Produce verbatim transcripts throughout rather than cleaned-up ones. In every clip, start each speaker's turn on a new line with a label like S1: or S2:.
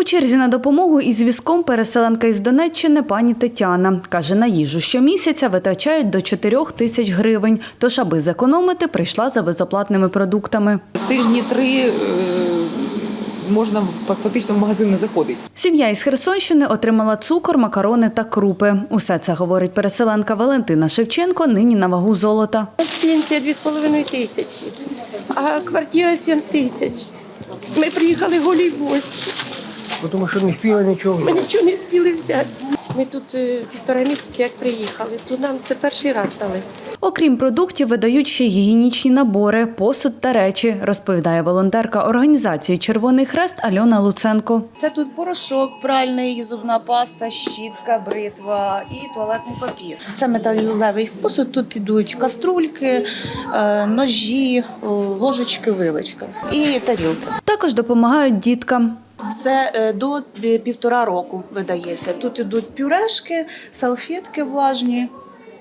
S1: черзі на допомогу із візком переселенка із Донеччини пані Тетяна. Каже, на їжу щомісяця витрачають до чотирьох тисяч гривень. Тож, аби зекономити, прийшла за безоплатними продуктами.
S2: Тижні три можна фактично в магазин не заходити.
S1: Сім'я із Херсонщини отримала цукор, макарони та крупи. Усе це, говорить переселенка Валентина Шевченко, нині на вагу золота.
S3: Пенсія дві з половиною тисячі, а квартира сім тисяч. Ми приїхали голі в гості.
S4: Тому що не встигли нічого.
S3: Ми нічого не встигли взяти. Ми тут е, півтора місяці як приїхали, то нам це перший раз дали.
S1: Окрім продуктів, видають ще й гігієнічні набори, посуд та речі, розповідає волонтерка організації «Червоний Хрест» Альона Луценко.
S5: Це тут порошок пральний, зубна паста, щітка, бритва і туалетний папір. Це металевий посуд, тут йдуть каструльки, ножі, ложечки, вилочки і тарілки.
S1: Також допомагають діткам.
S5: Це до півтора року видається. Тут йдуть пюрешки, салфетки влажні,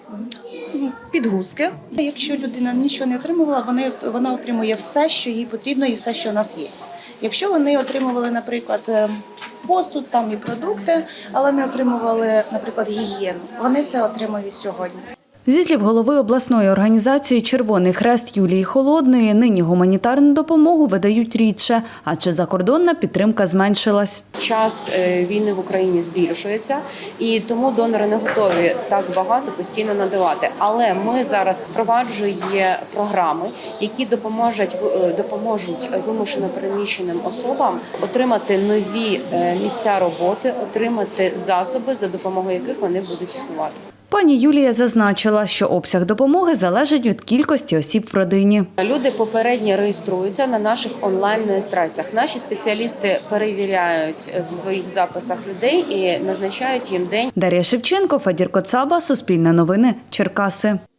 S5: підгузки. Якщо людина нічого не отримувала, вони, вона отримує все, що їй потрібно і все, що у нас є. Якщо вони отримували, наприклад, посуд там і продукти, але не отримували, наприклад, гігієну, вони це отримують сьогодні.
S1: Зі слів голови обласної організації «Червоний Хрест» Юлії Холодної, нині гуманітарну допомогу видають рідше, адже закордонна підтримка зменшилась.
S6: Час війни в Україні збільшується, і тому донори не готові так багато постійно надавати. Але ми зараз впроваджуємо програми, які допоможуть, допоможуть вимушено переміщеним особам отримати нові місця роботи, отримати засоби, за допомогою яких вони будуть існувати.
S1: Пані Юлія зазначила, що обсяг допомоги залежить від кількості осіб в родині.
S6: Люди попередньо реєструються на наших онлайн-реєстраціях. Наші спеціалісти перевіряють в своїх записах людей і назначають їм день.
S1: Дар'я Шевченко, Фадір Коцаба, Суспільне новини, Черкаси.